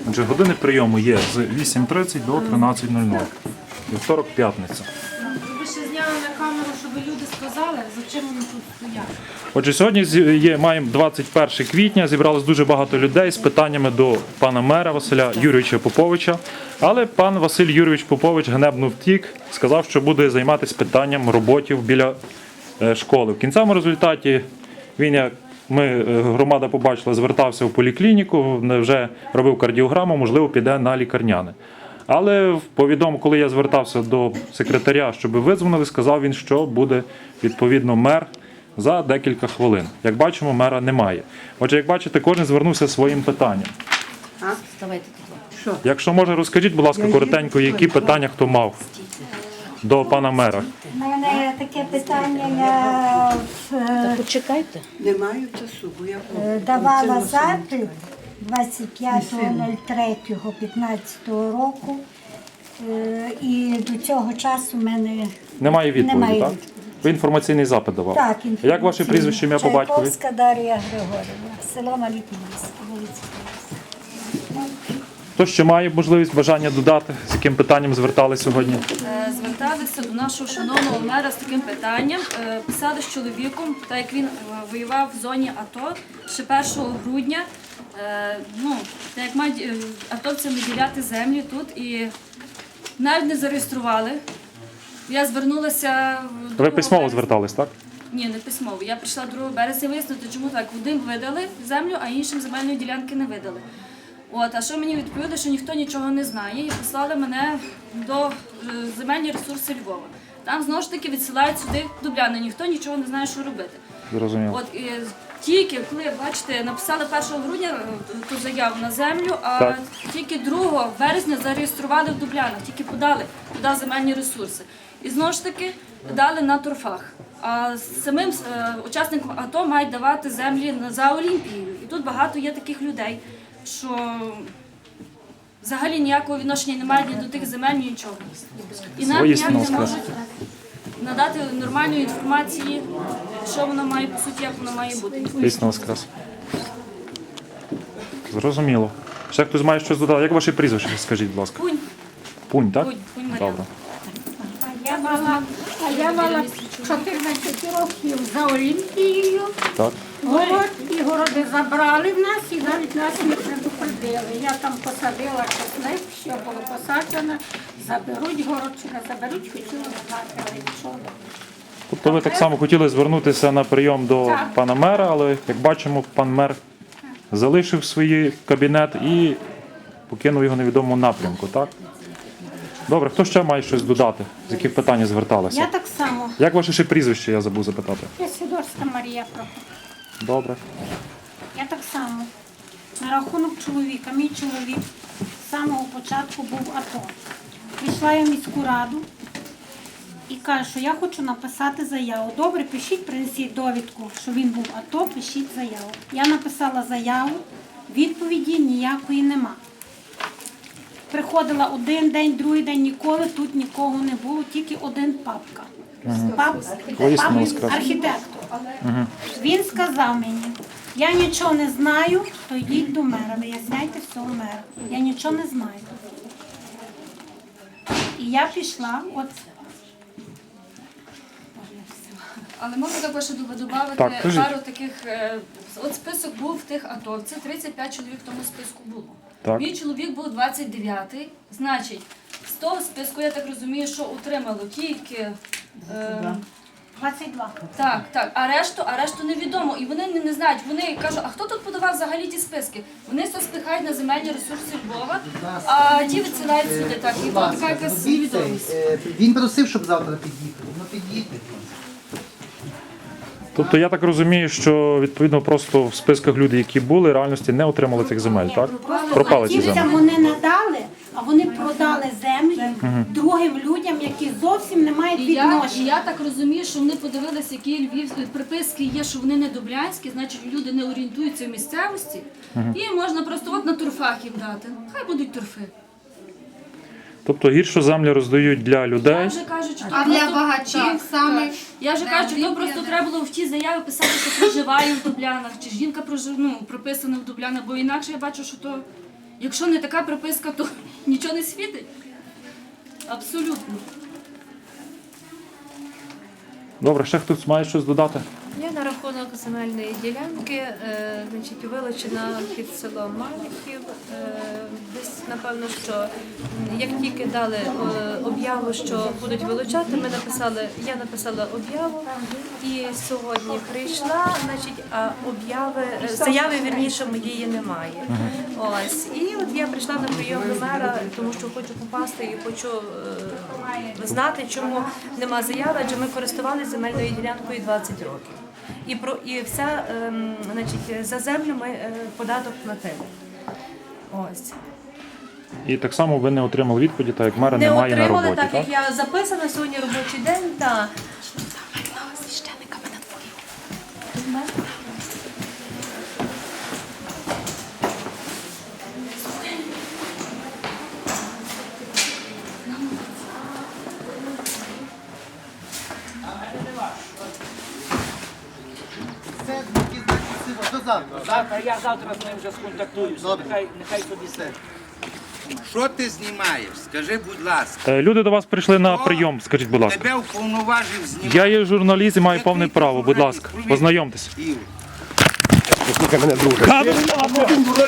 Отже, години прийому є з 8:30 до 13:00. Вівторок, п'ятниця. Ви ще зняли на камеру, щоб люди сказали, за чим вони тут стоять. Отже, сьогодні маємо 21 квітня, зібралось дуже багато людей з питаннями до пана мера Василя Юрійовича Поповича. Але пан Василь Юрійович Попович ганебно втік, сказав, що буде займатися питанням роботів біля школи. В кінцевому результаті він, як громада побачила, звертався в поліклініку, вже робив кардіограму, можливо, піде на лікарняне. Але коли я звертався до секретаря, щоб видзвонили, сказав він, що буде відповідно мер за декілька хвилин. Як бачимо, мера немає. Отже, як бачите, кожен звернувся своїм питанням. Якщо може, розкажіть, будь ласка, коротенько, які питання хто мав до пана мера. У мене таке питання, я Почекайте. Не маю часу, бо я давала запит 25.03.15 року, і до цього часу в мене Немає відповіді, немає так? відповіді. Ви інформаційний запит давав? Так, Як ваше прізвище, ім'я по батькові? Чайковська Дар'я Григорівна, село Малітнівське, вулиця. Хто ще має можливість, бажання додати, з яким питанням звертались сьогодні? Зверталися до нашого шановного мера з таким питанням. Писали з чоловіком, так як він воював в зоні АТО ще 1 грудня. Так як мають атовцям виділяти землі тут і навіть не зареєстрували. Я звернулася... Ви письмово звертались, так? Ні, не письмово. Я прийшла 2 березня вияснити, чому так. Одним видали землю, а іншим земельної ділянки не видали. А що мені відповіли, що ніхто нічого не знає, і послали мене до земельні ресурси Львова. Там знову ж таки відсилають сюди Дубляни, ніхто нічого не знає, що робити. Зрозуміло. Тільки, коли, бачите, написали 1 грудня ту заяву на землю, а Так. тільки 2 березня зареєстрували в Дублянах, тільки подали туди земельні ресурси. І знову ж таки дали на торфах. А самим учасникам АТО мають давати землі за Олімпією. І тут багато є таких людей, що взагалі ніякого відношення не мають ні до тих земель, ні нічого. І нам ніяк не можуть надати нормальної інформації, що воно має, по суті, як воно має бути. Дійсно воскрес. Зрозуміло. Ще хтось має щось додати? Як ваше прізвище, скажіть, будь ласка? Пунь. Пунь, так? Пунь Мар'яна. Добре. Я мала 14 років за Олімпією. Так. І городи забрали в нас і навіть нас не предупредили. Я там посадила чесник, що було посаджено. Заберуть город чи не заберуть, хотіла знати, але нічого. Тобто ви так само хотіли звернутися на прийом до пана мера, але, як бачимо, пан мер залишив свій кабінет і покинув його в невідомому напрямку, так? Добре, хто ще має щось додати? З яких питань зверталися? Я так само. Як ваше ще прізвище, я забув запитати? Я Сідорська Марія Прокопівна. Добре. Я так само. На рахунок чоловіка. Мій чоловік з самого початку був АТО. Прийшла я в міську раду і кажу, що я хочу написати заяву. Добре, пишіть, принесіть довідку, що він був АТО, пишіть заяву. Я написала заяву, відповіді ніякої нема. Приходила один день, другий день, ніколи тут нікого не було, тільки один папка. Архітектор. Він сказав мені, я нічого не знаю, то йдіть до мера, виясняйте все у мера. Я нічого не знаю. І я пішла, Але можна також додати Так, кажіть. пару таких, от список був тих атовців, 35 чоловік в тому списку було. Так. Мій чоловік був 29-й, значить, з того списку, я так розумію, що отримало тільки... 22. Так, а решту невідомо. І вони не знають, вони кажуть, а хто тут подавав взагалі ті списки? Вони все спихають на земельні ресурси Львова, а ті відсилають сюди. Так, і тут така якась невідомість. Він просив, щоб завтра під'їхали. Ну під'їдьте. Тобто я так розумію, що відповідно просто в списках люди, які були, в реальності не отримали цих земель, так? Пропали ці Тільцям землі. вони надали, а вони продали землі другим людям, які зовсім не мають І відношення. я так розумію, що вони подивилися, які львівські приписки є, що вони не дублянські, значить люди не орієнтуються в місцевості, і можна просто от на торфах їм дати. Хай будуть торфи. Тобто гіршу землю роздають для Я людей. вже кажу, що А для багачів саме... Я вже кажу, що то просто треба було в тій заяві писати, що проживає в Дублянах, чи жінка прописана в Дублянах, бо інакше я бачу, що то Якщо не така приписка, то нічого не світить. Абсолютно. Добре, ще хтось має щось додати? Я на рахунок земельної ділянки, значить, вилучена під селом Малихів. Десь, напевно, що як тільки дали об'яву, що будуть вилучати, я написала об'яву і сьогодні прийшла, значить, а заяви, вірніше, моєї немає. Ось. І от я прийшла на прийом до мера, тому що хочу попасти і хочу знати, чому нема заяви, адже ми користувалися земельною ділянкою 20 років. І все, значить, за землю ми податок платили. Ось. І так само ви не отримали відповіді, так як мера Не немає на отримали, роботі, так так? як я записана сьогодні робочий день, так. Все, які значить, до завтра. Завтра я завтра з ним вже сконтактуюся. Добре. Нехай собі Все. Що ти знімаєш? Скажи, будь ласка. Люди до вас прийшли на прийом, скажіть, будь ласка. Тебе уповноважив знімати. Я є журналіст і маю повне право, будь ласка, познайомтесь. Ігор.